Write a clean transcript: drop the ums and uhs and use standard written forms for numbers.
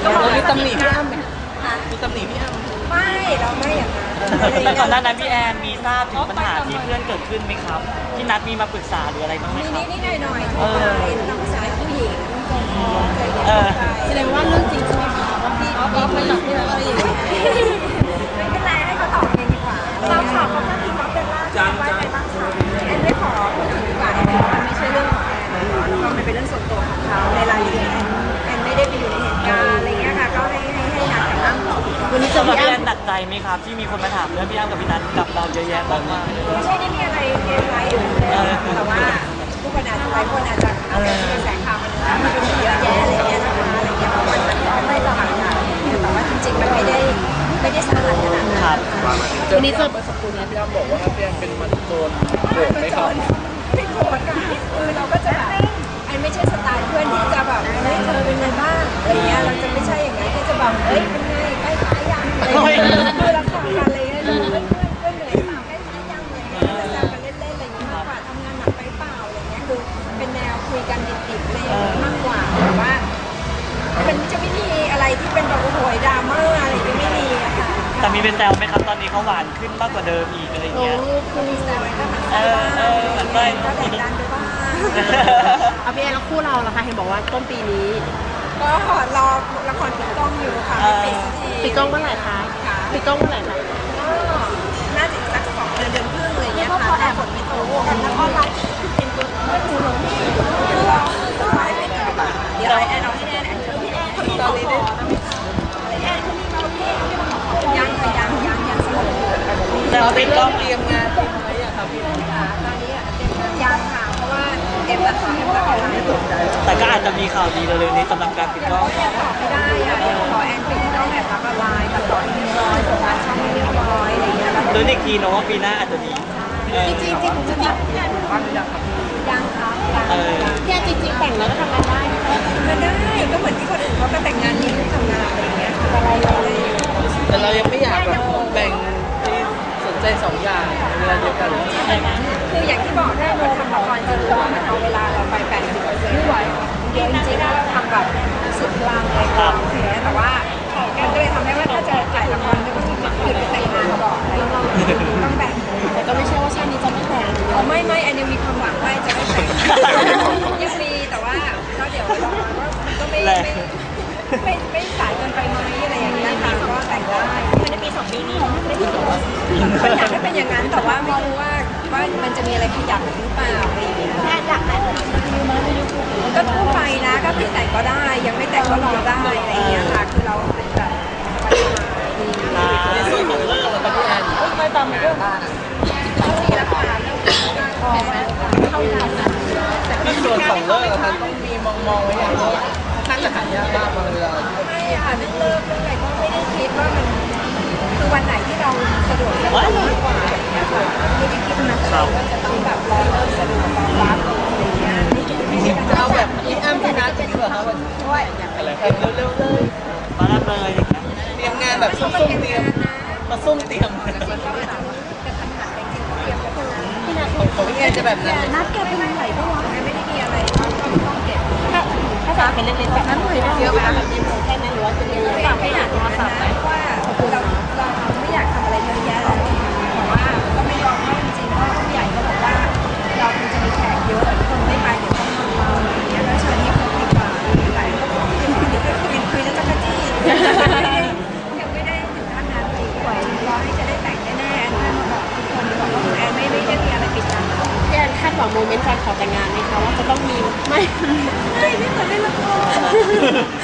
เรามีตำหนิพี่อ้ำไหมมีตำหนิพี่อ้ำไม่เราไม่อย่างนั้นแต่ก่อนหน้านั้นพี่แอนมีทราบถึงปัญหาที่เพื่อนเกิดขึ้นไหมครับที่นัดมีมาปรึกษาหรืออะไรบ้างไหมครับนิดหน่อยทั่วไปตามภาษาผู้หญิงแสดงว่าเรื่องจริงใช่ไหมคะว่าพี่ไม่หลับที่อะไรอย่างเงี้ยไม่เป็นไรให้เขาตอบเองดีกว่าเราข่าวเขาถ้าทีมเขาเป็นล่าสุดไว้ในบ้างคะแอนไม่ขอพูดถึงดีกว่ามันไม่ใช่เรื่องของแอนแล้วก็มันเป็นเรื่องส่วนตัวของเขาในรายละเอียดแอนไม่ได้ไปอยู่ในเหตุการณ์อะไรเงี้ยค่ะก็ให้นัดกับอ้ำวันนี้จะพี่แอนหนักใจไหมครับที่มีคนมาถามเรื่องพี่อ้ำกับพี่นัทกับเราเยอะแยะมากไม่ใช่ได้มีอะไรเกมไลฟ์อยู่เลยแต่ว่าผู้คนอาจจะหลายคนอาจจะกระแสข่าวมันเยอะแยะอะไรเงี้ยนะคะอะไรเงี้ยเพราะมันก็ไม่ตลาดค่ะแต่ว่าจริงๆมันไม่ได้สาหัสขนาดนั้นครับวันนี้เจอเมื่อสักครู่นี้พี่อ้ำบอกว่าพี่แอนเป็นมันโจรโกรธไหมครับไม่โกรธค่ะคือเราก็จะแบบไอ้ไม่ใช่สไตล์เพื่อนที่จะแบบเฮ้ยเธอเป็นไงบ้างอะไรเงี้ยเราจะไม่ใช่อย่างนั้นก็จะแบบเฮ้ยเป็นไงใกล้ตายยังอะไรเงี้ยคือเราทำกันอะไรเงี้ยเพื่อนเหนื่อยเปล่าใกล้ตายยังอะไรเงี้ยเราจะกันเล่นๆอะไรเงี้ยมากกว่าทำงานหนักไปเปล่าอะไรเงี้ยคือเป็นแนวคุยกันดิบๆอะไรมากกว่าแต่ว่ามันจะไม่มีอะไรที่เป็นแบบโอ้โหดราม่าอะไรไม่มีอะค่ะแต่มีเป็นแซวไหมครับตอนนี้เขาหวานขึ้นมากกว่าเดิมอีกอะไรเงี้ยคือมีแซวก็มันแซวบ้างก็แดดดันไปบ้างเอาพี่แอนแล้วคู่เราล่ะคะเห็นบอกว่าต้นปีนี้ก็รอละครปิดกล้องอยู่ค่ะปิดกล้องเมื่อไหร่คะปิดกล้องเมื่อไหร่คะก็น่าจะสัก2 เดือนครึ่งอะไรเงี้ยค่ะแต่ผลไม่ตกกันแล้วก็ไลฟ์เป็นตัวหนูหลงที่รอไลฟ์ไม่ตกเดี๋ยวแอนเอาให้แอนช่วยพี่แอนตอนนี้ด้วยแอนเขามีมาพี่ยังสนุกแต่เราเป็นเตรียมงานอะไรอย่างครับพี่ค่ะตอนนี้ยังค่ะเพราะว่าเอ็มตัดต่อเอ็มตัดต่อไม่ถูกแต่ก็อาจจะมีข่าวดีเร็วๆนี้สำหรับการปิดกล้องยังตอบไม่ได้อะขอแอนปิดกล้องแบบรับไลน์ตัดต่อเรียบร้อยส่งงานช่องเรียบร้อยอะไรเงี้ยลุ้นอีกทีเนาะว่าปีหน้าอาจจะดีจริงบ้านยังครับยังครับแค่จริงๆแต่งแล้วก็ทำงานได้มันได้ก็เหมือนที่คนอื่นเขาก็แต่งงานมีลูกทำงานอะไรเงี้ยอะไรแต่เรายังไม่อยากแบบแบ่งสนใจ2 อย่างเวลาเดียวกันคืออย่างที่บอกถ้าเราทำละครจริงๆมันเอาเวลาเราไป80%ไม่ไหวเยอะจริงๆเราทำแบบสุดพลังเลยค่ะแต่ว่ามันก็เลยทำให้ว่าถ้าจะถ่ายละครก็ต้องหยุดไปแต่งงานก่อนอะไรต้องแบ่งแต่ก็ไม่ใช่ว่าชาตินี้จะไม่แต่งไม่อันยังมีความหวังว่าจะไม่แต่งยังมีแต่ว่าก็เดี๋ยวเราว่ามันก็ไม่สายเกินไปไหมอะไรอย่างเงี้ยค่ะก็แต่งได้ไม่ได้มี2 ปีนี้ไม่ได้ก็อยากให้เป็นอย่างนั้นแต่ว่าไม่รู้ว่ามันจะมีอะไรขยับหรือเปล่าอะไรอย่างเงี้ยอยากแต่งก็ทั่วไปนะก็คือแต่งก็ได้ยังไม่แต่งก็รอได้อะไรอย่างเงี้ยค่ะคือเราเป็นแบบในส่วนของเรื่องเราพี่แอนไม่ตามเรื่องมีราคาพอไหมเท่ากันนะในส่วนของเรื่องเราต้องมีมองไว้อย่างว่าน่าจะหายากมากบางเวลาไม่ค่ะเรื่องเลิกเรื่องอะไรก็ไม่ได้คิดว่ามันคือวันไหนที่เราสะดวกจะมากกว่าเนี่ยค่ะไม่ได้คิดนะว่าจะต้องแบบรอเลิกสะดวกรอรับอะไรอย่างเงี้ยจะเอาแบบพี่อ้ำพี่นัทจะดีกว่าครับวันช่วยอะไรเร็วๆเลยมารับเลยเตรียมงานแบบซุ่มเตรียมมาซุ่มเตรียมพี่นัทของพี่แอนจะแบบนั้นนัดแกเป็นไหนบ้างวะไม่ได้มีอะไรต้องเก็บถ้าจะเป็นเล็กๆแบบนั้นเลยเยอะไปแบบยิ้มแค่นั้นหรือว่าจะมีฝากให้หนักมาฝากไหมว่าเราไม่อยากทำอะไรเยอะแยะแล้วแต่ว่าก็ไม่ยอมให้จริงๆเพราะผู้ใหญ่ก็บอกว่าเราคงจะมีแขกเยอะคนไม่ไปเดี๋ยวต้องทำเราอย่างเงี้ยแล้วเชิญที่เขาดีกว่าหลายคนคุยแล้วก็กระจี้ยังไม่ได้ถึงขั้นนั้นจริงกว่ารอให้จะได้แต่งแน่ๆท่านมาบอกทุกคนบอกว่าแอนไม่ได้มีอะไรปิดบังพี่แอนคาดหวังโมเมนต์การขอแต่งงานไหมคะว่าจะต้องมีไม่เหมือนในละคร